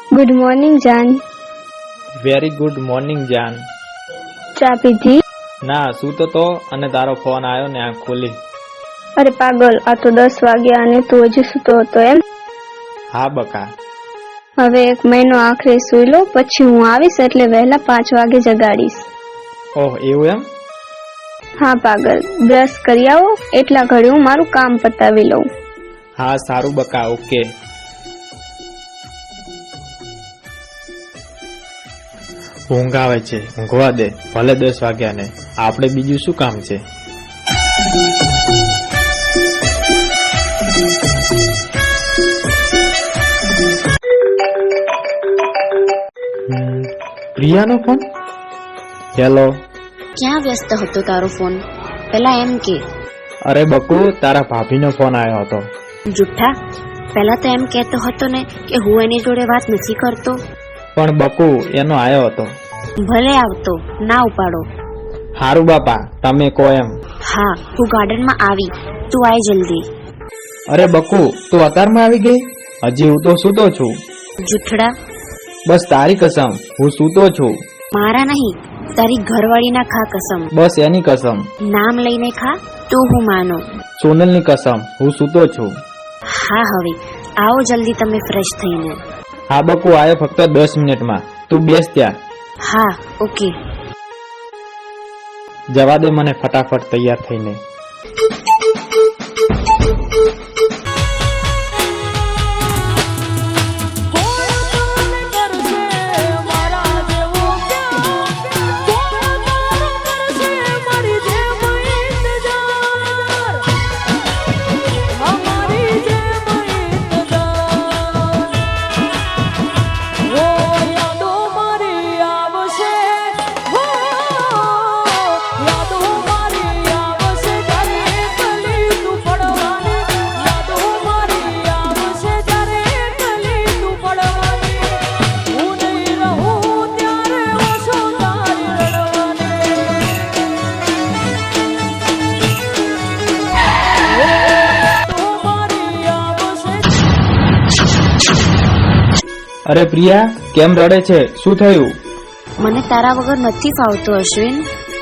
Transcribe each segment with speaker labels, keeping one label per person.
Speaker 1: Good morning જાન.
Speaker 2: Very good morning જાન.
Speaker 1: ચા પીધી?
Speaker 2: ના, સૂતો તો અને તારો ફોન આવ્યો ને આંખ ખોલી.
Speaker 1: અરે પાગલ, આ તો 10 વાગ્યા અને તું હજી સૂતો હતો એમ?
Speaker 2: હા બકા.
Speaker 1: હવે 1 મહિનો આખરે સૂઈ લો, પછી હું આવીશ એટલે વહેલા 5 વાગે જગાડીશ.
Speaker 2: ઓહ, એવું એમ?
Speaker 1: હા પાગલ, બ્રશ કરી આવો, એટલા ઘડી હું મારું કામ પતાવી લઉં.
Speaker 2: હા સારું બકા, ઓકે. ઊંઘ આવે છે, ઊંઘવા દે, ભલે 10 વાગ્યા ને. આપણે બીજું શું કામ છે? પ્રિયાનો ફોન? હેલો.
Speaker 3: ક્યાં વ્યસ્ત હતો તારો ફોન? પેલા એમ કે.
Speaker 2: અરે બકુ, તારા ભાભીનો ફોન આવ્યો હતો.
Speaker 3: જુઠ્ઠા, પેલા તો એમ કહેતો હતો ને કે હું એની જોડે વાત નથી કરતો.
Speaker 2: પણ બકુ, એનો આવ્યો હતો.
Speaker 3: ભલે આવતો, ના ઉપાડો.
Speaker 2: હારું બાપા, તમે કહો એમ.
Speaker 3: હા, હું ગાર્ડનમાં આવી, તું આય જલ્દી.
Speaker 2: અરે બકુ, તું અત્યારમાં આવી ગઈ? હજી હું તો સૂતો છું.
Speaker 3: જુઠ્ઠડા.
Speaker 2: બસ તારી કસમ, હું સૂતો છું.
Speaker 3: મારા નહીં, તારી ઘરવાળીના ખા કસમ.
Speaker 2: બસ એની કસમ.
Speaker 3: નામ લઈને ખા તો હું માનો.
Speaker 2: સોનલની કસમ, હું સૂતો છું.
Speaker 3: હા, હવે આવો જલ્દી તમે ફ્રેશ થઈને.
Speaker 2: હા બકુ, આવ્યો ફક્ત 10 મિનિટમાં. તું બેસ ત્યાં.
Speaker 3: હા, ઓકે.
Speaker 2: જવા દે મને ફટાફટ તૈયાર થઈને. અરે પ્રિયા, કેમ રડે છે? શું થયું?
Speaker 3: મને તારા વગર નથી ફાવતું અશ્વિન.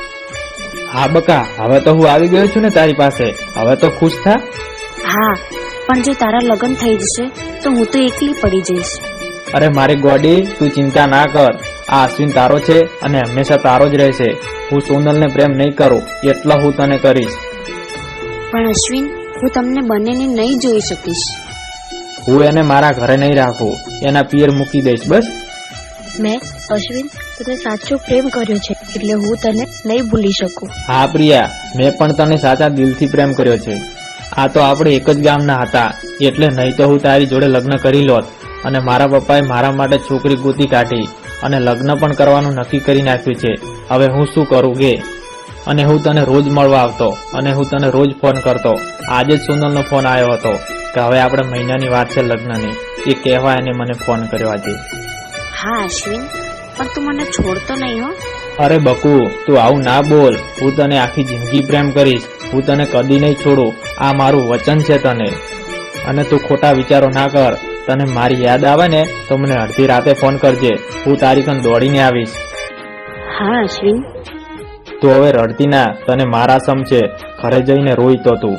Speaker 2: હા બકા, હવે તો હું આવી ગયો છું ને તારી પાસે. હવે તો ખુશ થા.
Speaker 3: હા, પણ જો તારા લગ્ન થઈ જશે તો હું તો એકલી પડી જઈશ.
Speaker 2: અરે મારી ગોડી, તું ચિંતા ના કર. આ અશ્વિન તારો છે અને હંમેશા તારો જ રહેશે. હું સોનલને પ્રેમ નહીં કરું એટલો હું તને કરીશ.
Speaker 3: પણ અશ્વિન, હું તમને બંનેને નહીં જોઈ શકીશ.
Speaker 2: હું એને મારા ઘરે નહીં રાખું, એના પિયર મૂકી દઈશ. બસ.
Speaker 1: મેં અશ્વિન તને સાચો પ્રેમ કર્યો છે એટલે હું તને નહીં ભૂલી શકું.
Speaker 2: હા પ્રિયા, મેં પણ તને સાચા દિલથી પ્રેમ કર્યો છે. આ તો આપણે એક જ ગામના હતા, એટલે નહીં તો હું તારી જોડે લગ્ન કરી લોત. અને મારા પપ્પાએ મારા માટે છોકરી ગોતી કાઢી અને લગ્ન પણ કરવાનું નક્કી કરી નાખ્યું છે. હવે હું શું કરું કે? અને હું તને રોજ મળવા આવતો અને હું તને રોજ ફોન કરતો. આજે જ સોનલનો ફોન આવ્યો હતો કે હવે આપણે મહિનાની વાત છે લગ્નની, એ કહેવા એને મને ફોન કર્યો આજે.
Speaker 3: હા અશ્વિન, પણ તું મને છોડતો નહીં હો.
Speaker 2: અરે બકુ, તું આવું ના બોલ. હું તને આખી જિંદગી પ્રેમ કરીશ. હું તને કદી નહીં છોડું, આ મારું વચન છે તને. અને તું ખોટા વિચારો ના કર. તને મારી યાદ આવે ને તો મને અડધી રાતે ફોન કરજે, હું તારી કન દોડીને આવીશ.
Speaker 3: હા અશ્વિન.
Speaker 2: તું હવે રડતી ના, તને મારા સમ છે. ઘરે જઈને રોઈ તો તું.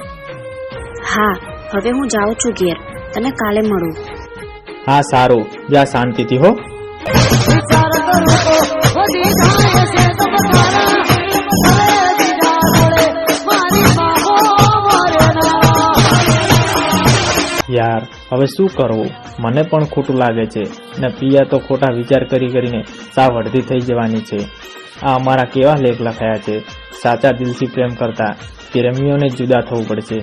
Speaker 3: હા, હવે હું જાઉં છું ઘેર, તને કાલે મળું.
Speaker 2: હા સારું, જા શાંતિથી હો. યાર, હવે શું કરવું? મને પણ ખોટું લાગે છે ને પ્રિયા તો ખોટા વિચાર કરીને સાવ અડધી થઈ જવાની છે. આ અમારા કેવા લેખ લખાયા છે. સાચા દિલથી પ્રેમ કરતા પ્રેમીઓને જુદા થવું પડશે.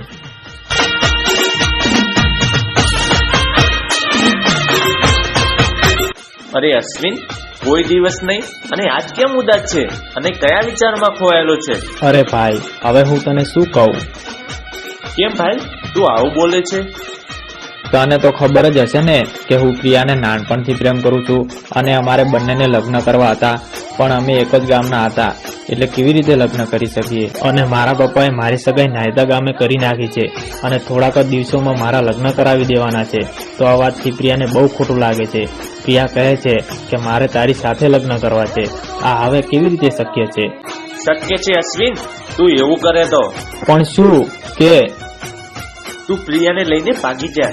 Speaker 4: અરે અશ્વિન, કોઈ દિવસ નહીં અને આજ કેમ ઉદાસ છે અને કયા વિચારમાં ખોવાયેલો છે?
Speaker 2: અરે ભાઈ, હવે હું તને શું કહું?
Speaker 4: કેમ ભાઈ, તું આવું બોલે છે?
Speaker 2: તને તો ખબર જ હશે ને કે હું પ્રિયાને નાનપણથી પ્રેમ કરું છું અને અમારે બંનેને લગ્ન કરવા હતા, પણ અમે એક જ ગામના હતા. એટલે કેવી રીતે લગ્ન કરી શકીએ? અને મારા પપ્પાએ મારી સગાઈ નાયદા ગામે કરી નાખી છે અને થોડાક જ દિવસોમાં મારા લગ્ન કરાવી દેવાના છે. તો આ વાતથી પ્રિયાને બહુ ખોટું લાગે છે. પ્રિયા કહે છે કે મારે તારી સાથે લગ્ન કરવા છે. આ હવે કેવી રીતે શક્ય છે?
Speaker 4: શક્ય છે અશ્વિન, તું એવું કરે તો
Speaker 2: પણ શું કે
Speaker 4: તું પ્રિયાને લઈને ભાગી જા.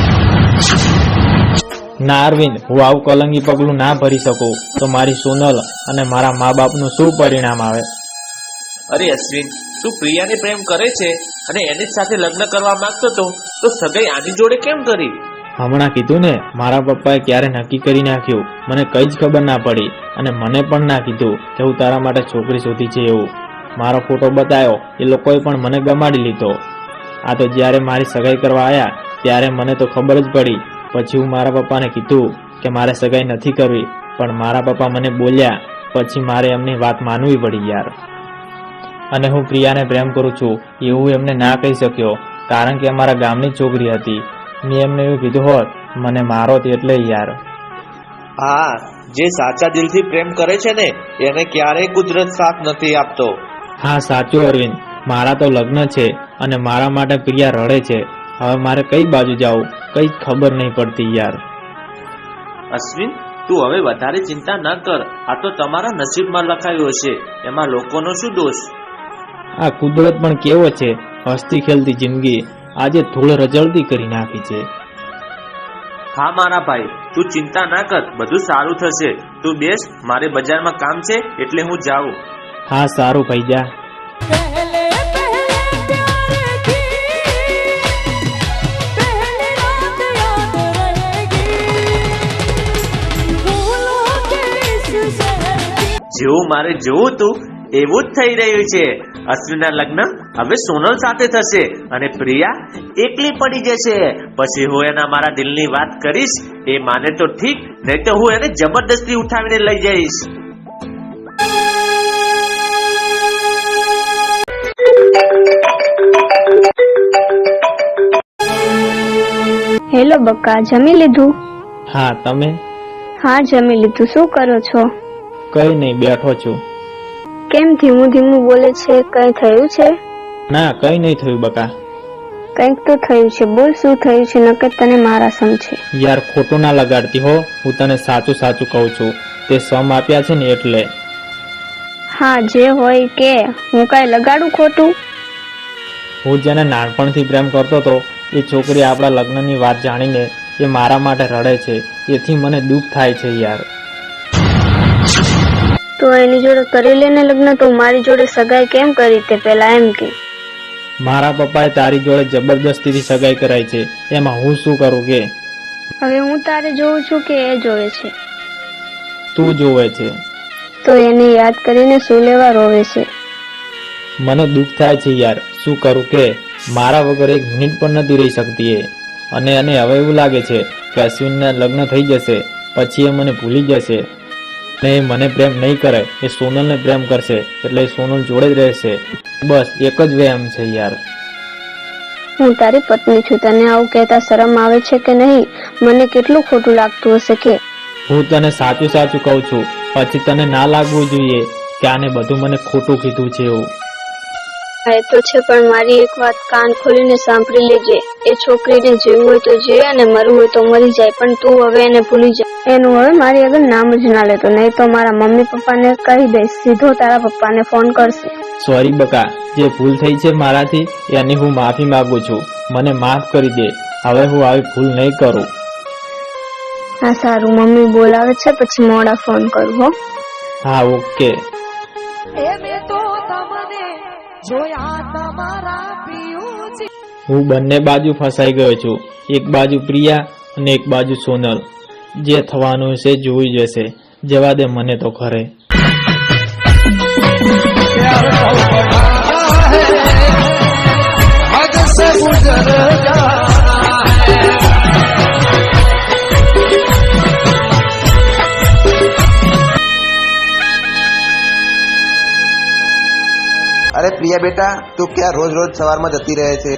Speaker 2: ના અરવિંદ, હું આવું કલંગી પગલું ના ભરી શકું તો મારી સોનલ અને મારા મા બાપનું શું પરિણામ આવે?
Speaker 4: અરે અશ્વિન, તું પ્રિયાને પ્રેમ કરે છે અને એની જ સાથે લગ્ન કરવા માંગતો તો સગાઈ આની જોડે કેમ કરી?
Speaker 2: હમણાં કીધું ને, મારા પપ્પાએ ક્યારે નક્કી કરી નાખ્યું મને કઈ જ ખબર ના પડી અને મને પણ ના કીધું કે હું તારા માટે છોકરી શોધી છે એવું. મારો ફોટો બતાવ્યો, એ લોકોએ પણ મને ગમાડી લીધો. આ તો જ્યારે મારી સગાઈ કરવા આવ્યા ત્યારે મને તો ખબર જ પડી. પછી હું મારા પપ્પાને કીધું કે મારે સગાઈ નથી કરવી, પણ મારા પપ્પા મને બોલ્યા. પછી મારે એમની વાત માનવી પડી યાર. અને હું પ્રિયાને પ્રેમ કરું છું એવું એમને ના કહી શક્યો, કારણ કે અમારા ગામની છોકરી હતી. મેં એમને એવું કીધું હોત મને મારો એટલે યાર.
Speaker 4: હા, જે સાચા દિલથી પ્રેમ કરે છે ને એને ક્યારેય કુદરત સાથ નથી આપતો.
Speaker 2: હા સાચું અરવિંદ, મારા તો લગ્ન છે અને મારા માટે પ્રિયા રડે છે. હવે મારે કઈ બાજુ જાવું કઈ ખબર નહીં પડતી યાર.
Speaker 4: અશ્વિન, તું હવે વધારે ચિંતા ના કર. આ તો તમારા નસીબમાં લખાયું હશે, એમાં લોકોનો શું દોષ?
Speaker 2: આ કુદરત પણ કેવો છે, હસતી ખેલતી જિંદગી આજે ધૂળ રજળતી કરી નાખી છે.
Speaker 4: હા મારા ભાઈ, તું ચિંતા ના કર, બધું સારું થશે. તું બેસ, મારે બજારમાં કામ છે એટલે હું જાઉં.
Speaker 2: હા સારું ભાઈ, જા.
Speaker 4: જેવું મારે જોવું તું એવું જ થઈ રહ્યું છે. અશ્વિનના લગ્ન હવે સોનલ સાથે થશે અને પ્રિયા એકલી પડી જશે. પછી હું એના મારા દિલની વાત કરીશ, એ માને તો ઠીક, નહીં તો હું એને જબરદસ્તી ઉઠાવીને લઈ જઈશ.
Speaker 1: હેલો બક્કા, જમી લીધું?
Speaker 2: હા, તમે?
Speaker 1: હા જમી લીધું. શું કરો છો?
Speaker 2: કઈ નહીં, બેઠો છું.
Speaker 1: કેમ ધીમું ધીમું બોલે છે? કઈ થયું છે?
Speaker 2: ના, કઈ નહીં થયું બકા.
Speaker 1: કંઈક તો થયું છે, બોલ શું થયું છે, નકર તને મારા સમ છે.
Speaker 2: યાર ખોટું ના લગાડતી હો, હું તને સાચું સાચું કહું છું. તે સમ આપ્યા છે ને એટલે.
Speaker 1: હા જે હોય કે, હું કઈ લગાડું ખોટું?
Speaker 2: હું જેને નાનપણથી પ્રેમ કરતો હતો એ છોકરી આપણા લગ્નની વાત જાણીને એ મારા માટે રડે છે. એથી મને દુઃખ થાય છે યાર.
Speaker 1: તો એની જોડે કરી લેને લગ્ન. તો મારી જોડે સગાઈ કેમ કરી તે પેલા એમ કે?
Speaker 2: મારા પપ્પાએ તારી જોડે જબરદસ્તીથી સગાઈ કરાઈ છે, એમાં હું શું કરું કે?
Speaker 1: હવે હું તારે જોઉં છું કે એ જોવે છે?
Speaker 2: તું જોવે છે.
Speaker 1: તો એને યાદ કરીને શું લેવા રોવે છે?
Speaker 2: મને દુઃખ થાય છે યાર, શું કરું કે? મારા વગર એક મિનિટ પણ નથી રહી શકતી એ. અને એને હવે એવું લાગે છે કે અશ્વિનના લગ્ન થઈ જશે પછી એ મને ભૂલી જશે ને એ મને પ્રેમ નહીં કરે, એ સોનલને પ્રેમ કરશે એટલે એ સોનલ જોડે જ રહેશે. બસ એક જ વહેમ છે યાર.
Speaker 1: હું તારી પત્ની છું, તને આવું કહેતા શરમ આવે છે કે નહીં? મને કેટલું ખોટું લાગતું હશે કે?
Speaker 2: હું તને સાચું સાચું કહું છું, પછી તને ના લાગવું જોઈએ કે આને બધું મને ખોટું કીધું છે એવું.
Speaker 1: હા એ તો છે, પણ મારી એક વાત કાન ખોલીને સાંભળી લેજે. એ છોકરીને જીવવું હોય તો જીવે અને મરવું હોય તો મરી જાય, પણ તું હવે એને ભૂલી જા. એનું હવે મારી આગળ નામ જ ના લેતો, નહીં તો મારા મમ્મી પપ્પાને કહી દઈશ, સીધો તારા પપ્પાને ફોન કરશે.
Speaker 2: સોરી બકા, જે ભૂલ થઈ છે મારાથી એની હું માફી માંગુ છું. મને માફ કરી દે, હવે હું આવી ભૂલ નહીં કરું.
Speaker 1: હા સારું, મમ્મી બોલાવે છે, પછી મોડા ફોન કરું હો.
Speaker 2: હા ઓકે. હું બંને બાજુ ફસાઈ ગયો છું, એક બાજુ પ્રિયા અને એક બાજુ સોનલ. જે થવાનું છે જોઈ જશે, જવા દે મને તો ખરે.
Speaker 5: અરે પ્રિયા બેટા, તું ક્યાં રોજ રોજ સવારમાં જતી રહે છે?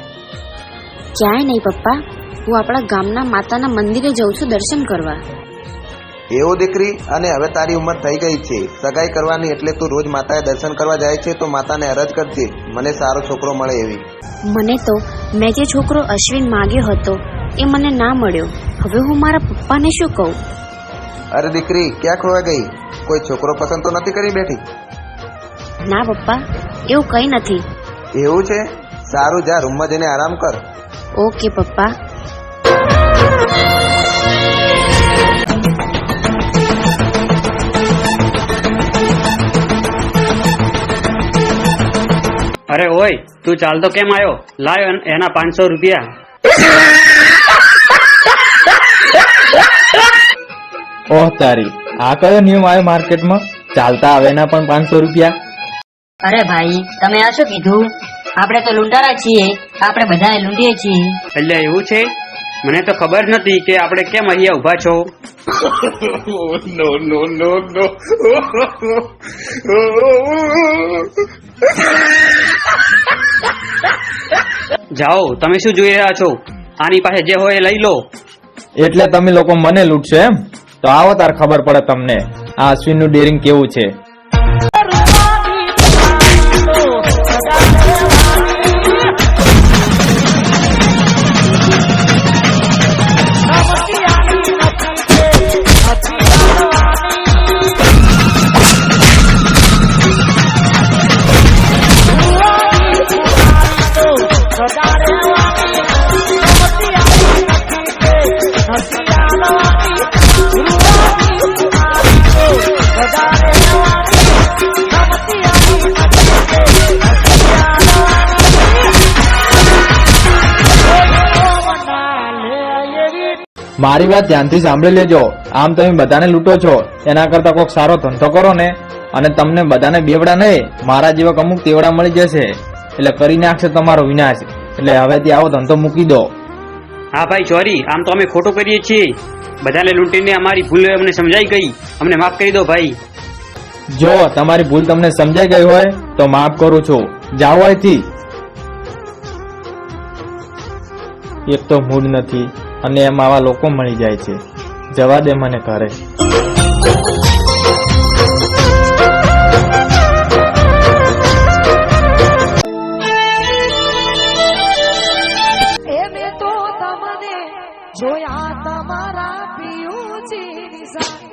Speaker 3: ક્યાંય નહીં પપ્પા, હું આપણા ગામના માતાના મંદિરે જઉં છું દર્શન કરવા.
Speaker 5: એવું દીકરી, અને હવે તારી ઉંમર થઈ ગઈ છે સગાઈ કરવાની, એટલે તું રોજ માતાએ દર્શન કરવા જાય છે તો માતાને અરજ કરજે મને સારો છોકરો મળે એવી.
Speaker 3: મને તો મેં જે છોકરો અશ્વિન માંગ્યો હતો એ મને ના મળ્યો. હવે હું મારા પપ્પાને શું કહું?
Speaker 5: અરે દીકરી, ક્યાં ખોવા ગઈ? કોઈ છોકરો પસંદ તો નથી કરી બેઠી?
Speaker 3: ના પપ્પા, એવું કંઈ નથી.
Speaker 5: એવું છે? સારું, જા રૂમમાં જઈને આરામ કર.
Speaker 3: ઓકે પપ્પા.
Speaker 6: અરે ઓય, તું ચાલતો કેમ આવ્યો? લાયો એના 500 રૂપિયા.
Speaker 2: ઓહ તારી, આ કયો નિયમ આવ્યો માર્કેટમાં? ચાલતા આવે એના પણ 500 રૂપિયા?
Speaker 7: અરે ભાઈ, તમે આ શું કીધું? આપણે તો લૂંટારા છીએ, આપણે બધાને લૂંટીએ છીએ.
Speaker 6: એટલે એવું છે? મને તો ખબર નથી કે આપણે કેમ અહીંયા ઊભા છો. જાઓ, તમે શું જોઈ રહ્યા છો? આની પાસે જે હોય એ લઈ લો.
Speaker 2: એટલે તમે લોકો મને લૂંટશો એમ? તો આવો તાર ખબર પડે તમને આ અશ્વિનનું ડેરિંગ કેવું છે. મારી વાત ધ્યાનથી સાંભળી લેજો. આમ તમે બધાને લૂંટો છો, એના કરતા કોઈક સારો ધંધો કરો ને, અને તમને બધાને બેવડા નહીં, મારા જેવા અમુક તેવડા મળી જશે, એટલે કરી નાખશે તમારો વિનાશ. એટલે હવેથી આવો ધંધો મૂકી દો.
Speaker 6: હા ભાઈ સોરી, આમ તો અમે ખોટું કરીએ છીએ. બધાને લૂંટીને અમારી ભૂલ અમને સમજાઈ ગઈ, અમને માફ કરી દો ભાઈ.
Speaker 2: જો તમારી ભૂલ તમને સમજાઈ ગઈ હોય તો માફ કરું છું. જાઓ અહીંથી. એક તો મૂડ નથી અને એમ આવા લોકો મળી જાય છે. જવા દે મને ઘરે.
Speaker 8: જોયા તમારા પિયુજીની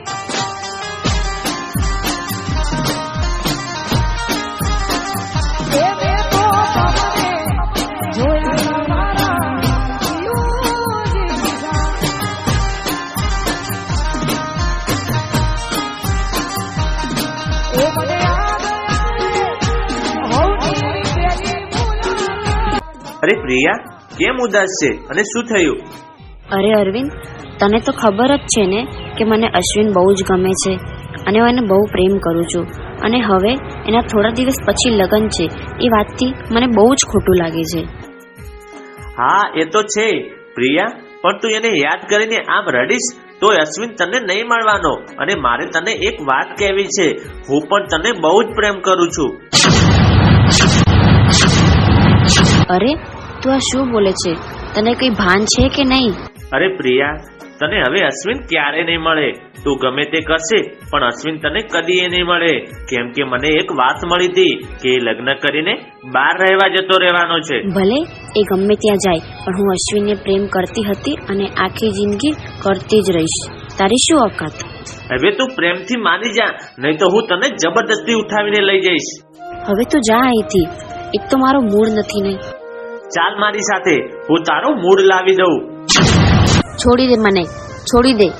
Speaker 4: અરે પ્રિયા, કેમ ઉદાસ છે અને શું થયું?
Speaker 3: અરે અરવિંદ, તને તો ખબર જ છે ને કે મને અશ્વિન બહુ જ ગમે છે અને હું એને બહુ પ્રેમ કરું છું. અને હવે એના થોડા દિવસ પછી લગ્ન છે, એ વાતથી મને બહુ જ ખોટું લાગે છે.
Speaker 4: હા, એ તો છે પ્રિયા, પણ તું એને યાદ કરીને આમ રડીશ તો અશ્વિન તને નહીં મળવાનો. અને મારે તને એક વાત કહેવી છે, હું પણ તને બહુ જ પ્રેમ કરું છું.
Speaker 3: અરે તું આ શું બોલે છે? તને કઈ ભાન છે કે નહીં?
Speaker 4: અરે પ્રિયા, તને હવે અશ્વિન ક્યારે નહીં મળે. તું ગમે તે કરશે પણ અશ્વિન તને કદી નહીં મળે. કેમ કે મને એક વાત મળી હતી કે એ લગ્ન કરીને બહાર રહેવા જતો રહેવાનો છે.
Speaker 3: ભલે એ ગમે ત્યાં જાય, પણ હું અશ્વિનને પ્રેમ કરતી હતી અને આખી જિંદગી કરતી જ રહીશ. તારી શું ઓકાત?
Speaker 4: હવે તું પ્રેમથી માની જા, નહીં તો હું તને જબરદસ્તી ઉઠાવીને લઈ જઈશ.
Speaker 3: હવે તું જા અહીંથી. એક તો મારો મૂડ નથી નહીં.
Speaker 4: ચાલ મારી સાથે, હું તારો મૂડ લાવી દઉં.
Speaker 3: છોડી દે મને, છોડી દે.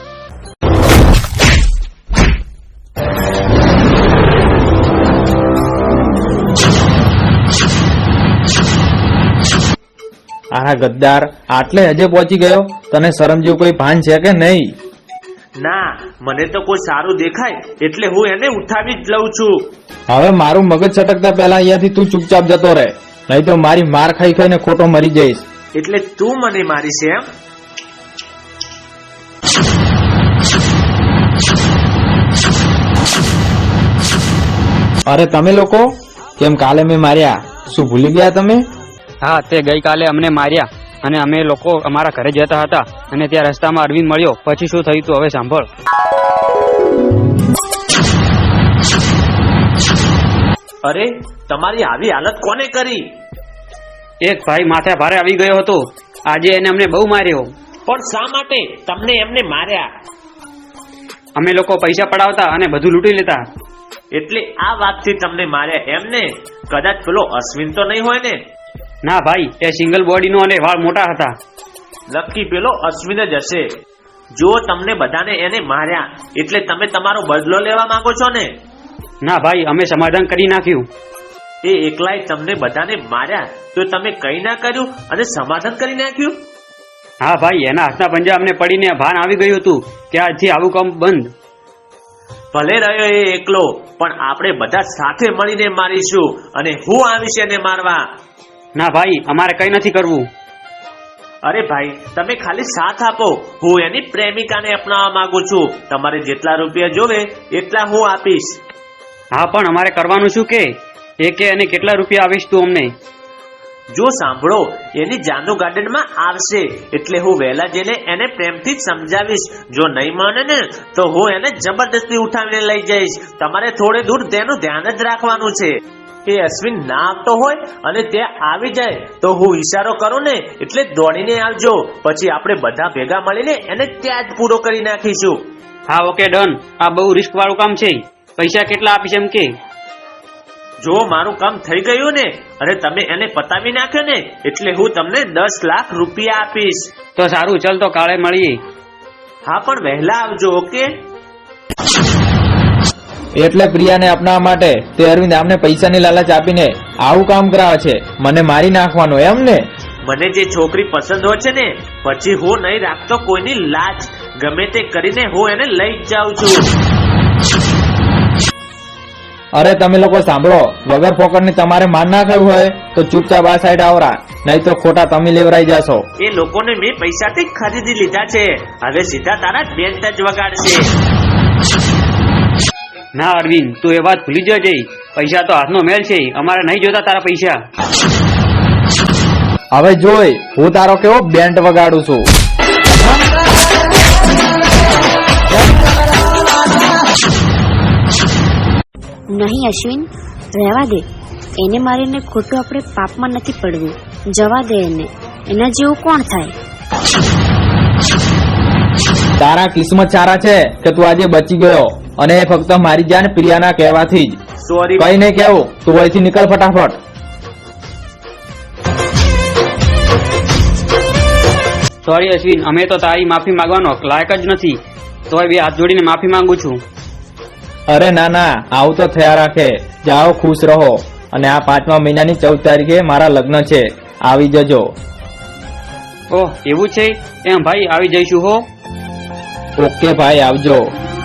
Speaker 2: આના ગદ્દાર, આટલે હજે પહોંચી ગયો? તને શરમ જેવું કોઈ ભાન છે કે નહીં?
Speaker 4: ના, મને તો કોઈ સારું દેખાય એટલે હું એને ઉઠાવી જ લઉં છું.
Speaker 2: હવે મારું મગજ છટકતા પહેલા અહીંયાથી તું ચૂપચાપ જતો રહે, નહીં તો મારી માર ખાઈ ખાઈને ખોટો મરી જઈશ.
Speaker 4: એટલે તું મને મારીશ એમ?
Speaker 2: અરે તમે લોકો કેમ કાલે મેં માર્યા, શું ભૂલી ગયા તમે?
Speaker 6: હા, તે ગઈકાલે અમને માર્યા અને અમે લોકો અમારા ઘરે જતા હતા અને ત્યાં રસ્તામાં અરવિંદ મળ્યો. પછી શું થયું તું હવે સાંભળ.
Speaker 4: અરે તમારી આવી હાલત કોને કરી?
Speaker 6: એક ભાઈ માથે ભારે આવી ગયો હતો. આજે એને અમને બહુ માર્યો.
Speaker 4: પણ શા માટે તમને એમને માર્યા?
Speaker 6: અમે લોકો પૈસા પડાવતા અને બધું લૂંટી લેતા.
Speaker 4: એટલે આ વાતથી તમને માર્યા એમને? કદાચ પેલો અશ્વિન તો નહીં હોય ને?
Speaker 6: ના ભાઈ, એ સિંગલ બોડીનો અને વાળ મોટા હતા.
Speaker 4: નક્કી પેલો અશ્વિન જ હશે. જો તમને બધાને એને માર્યા એટલે તમે તમારો બદલો લેવા માંગો છો ને?
Speaker 6: ના ભાઈ, અમે સમાધાન કરી નાખ્યું.
Speaker 4: એ એકલાય તમને બધાને માર્યા તો તમે કઈ ના કર્યું અને સમાધાન કરી નાખ્યું?
Speaker 6: હા ભાઈ, એના હાથના પંજા અમને પડીને ભાન આવી ગયું હતું કે આજથી આવું કામ બંધ.
Speaker 4: ભલે રહ્યો એ એકલો, પણ આપણે બધા સાથે મળીને મારીશું અને હું આવીશ એને મારવા.
Speaker 6: ના ભાઈ, અમારે કઈ નથી કરવું.
Speaker 4: અરે ભાઈ, તમે ખાલી સાથ આપો. હું એની પ્રેમિકાને અપનાવવા માંગુ છું. તમારે જેટલા રૂપિયા જોવે એટલા હું આપીશ.
Speaker 6: હા, પણ અમારે કરવાનું શું કે અને કેટલા રૂપિયા આવીશ તું અમને?
Speaker 4: જો સાંભળો, એની જાનુ ગાર્ડનમાં આવશે એટલે હું વહેલા જઈને એને પ્રેમથી જ સમજાવીશ. જો નહીં માને ને તો હું એને જબરદસ્તી ઉઠાવીને લઈ જઈશ. તમારે થોડે દૂર તેનું ધ્યાન જ રાખવાનું છે. એ અશ્વિન ના આવતો હોય અને ત્યાં આવી જાય તો હું ઈશારો કરું ને એટલે દોડીને આવજો. પછી આપણે બધા ભેગા મળીને એને ત્યાં જ પૂરો કરી નાખીશું.
Speaker 6: હા, ઓકે, ડન. આ બહુ રિસ્ક વાળું કામ છે. પૈસા કેટલા આપીશ એમ કે?
Speaker 4: જો મારું કામ થઈ ગયું ને અને તમે એને પતાવી નાખ્યો ને એટલે હું તમને 10 લાખ રૂપિયા આપીશ.
Speaker 6: તો સારું, ચાલ તો કાલે મળીએ.
Speaker 4: હા, પણ વહેલા આવજો. ઓકે?
Speaker 2: એટલે પ્રિયાને અપનાવવા માટે તે અરવિંદ આમને પૈસાની લાલચ આપીને આવું કામ કરાવે છે. મને મારી નાખવાનો એમ ને?
Speaker 4: મને જે છોકરી પસંદ હોય છે ને પછી હું નહીં રાખતો કોઈની લાજ. ગમે તે કરીને હું એને લઈ જ જાઉં છું.
Speaker 2: અરે તમે લોકો સાંભળો, વગર ફોકટની તમારે માન ના ખાવું હોય તો ચૂપચાપ આ સાઈડ આવરા, નહીં તો ખોટા તમે લેવરાઈ જશો.
Speaker 4: એ લોકોને મેં પૈસાથી ખરીદી લીધા છે. હવે સીધા તારા બેન્ટ જ વગાડશે.
Speaker 6: ના અરવિંદ, તું એ વાત ભૂલી જજે. પૈસા તો હાથનો મેલ છે. અમારે નહીં જોતા તારા પૈસા.
Speaker 2: હવે જોઈ હું તારો કેવો બેન્ટ વગાડું છું.
Speaker 3: નહીં અશ્વિન, રહેવા દે. એને મારીને ખોટું આપણે પાપમાં નથી પડવું. જવા દે એને. એના જેવું કોણ થાય?
Speaker 2: તારા કિસ્મત સારા છે કે તું આજે બચી ગયો, અને એ ફક્ત મારી જાન પ્રિયાના કહેવાથી જ.
Speaker 4: સોરી.
Speaker 2: કઈ નહીં કેવું, તું અહીંથી નીકળ ફટાફટ.
Speaker 6: સોરી અશ્વિન, અમે તો તારી માફી માંગવાનો લાયક જ નથી. તોય બે હાથ જોડીને માફી માંગુ છું.
Speaker 2: અરે ના ના, આવું તો થયા રાખે. જાઓ, ખુશ રહો. અને આ 5મા મહિનાની 14 તારીખે મારા લગ્ન છે, આવી જજો.
Speaker 6: ઓહ, એવું છે? એમ ભાઈ, આવી જઈશું હો.
Speaker 2: ઓકે ભાઈ, આવજો.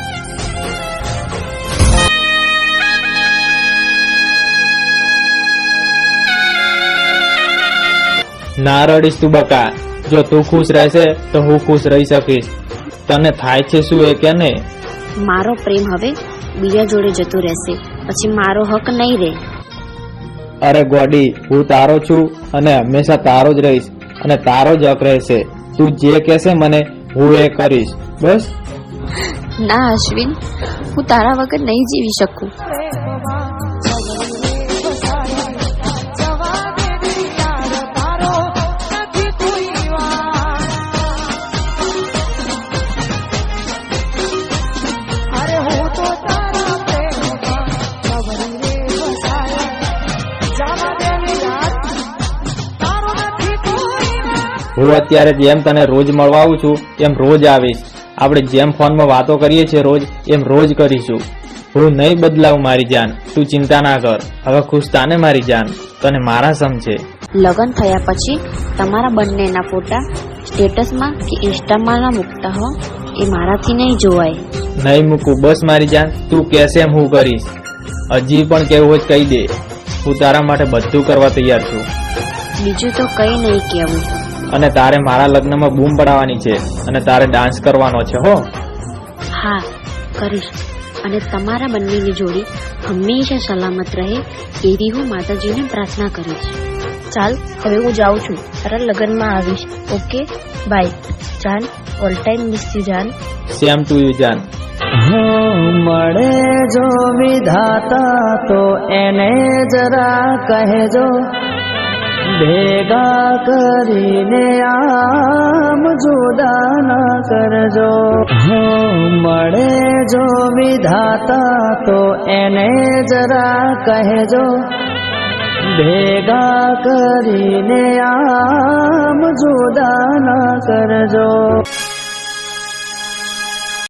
Speaker 2: ના રડીશ તું બકા. જો તું ખુશ રહેશે તો હું ખુશ રહી શકીશ. તને થાય છે શું એ કે ને?
Speaker 3: મારો પ્રેમ હવે બીજા જોડે જતો રહેશે. પછી મારો હક નહીં રહે.
Speaker 2: અરે ગોડી, હું તારો છું અને હંમેશા તારો જ રહીશ, અને તારો જ હક રહેશે. તું જે કહેશે મને હું એ કરીશ. બસ.
Speaker 3: ના અશ્વિન, હું તારા વગર નહીં જીવી શકું.
Speaker 2: હું અત્યારે જેમ તને રોજ મળવા આવું છું એમ રોજ આવીશ. આપણે જેમ ફોનમાં વાતો કરીએ છીએ રોજ, એમ રોજ કરીશું. હું નહીં બદલાવું મારી જાન, તું ચિંતા ના કર. હવે ખુશ તાને મારી જાન, તને મારા સમજે.
Speaker 3: લગ્ન થયા પછી તમારા બંનેના ફોટા સ્ટેટસમાં કે ઇન્સ્ટામાં ના મૂકતા હો. એ મારાથી નહીં જોવાય.
Speaker 2: નહીં મૂકું, બસ મારી જાન. તું કહેશે એમ હું કરીશ. હજી પણ કેવું હોય કહી દે. હું તારા માટે બધું કરવા તૈયાર છું.
Speaker 3: બીજું તો કઈ નહીં કહેવું.
Speaker 2: અને તારે મારા લગ્નમાં બૂમ પડાવવાની છે, અને તારે ડાન્સ કરવાનો છે હો.
Speaker 3: હા, કરીશ. અને તમારા બંનેની જોડી હંમેશા સલામત રહે એવી હું માતાજીને પ્રાર્થના કરીશ. ચાલ હવે હું જાઉં છું, તારા લગ્નમાં આવીશ. ઓકે બાય જાન, ઓલ ટાઈમ મિસ યુ જાન.
Speaker 2: સેમ ટુ યુ જાન.
Speaker 9: મળે જો વિધાતા તો એને જરા કહેજો, ભેગા કરીને આમ જુદા ના કરજો. મળે જો વિધાતા તો એને જરા કહેજો, ભેગા કરીને આમ જુદા ના કરજો.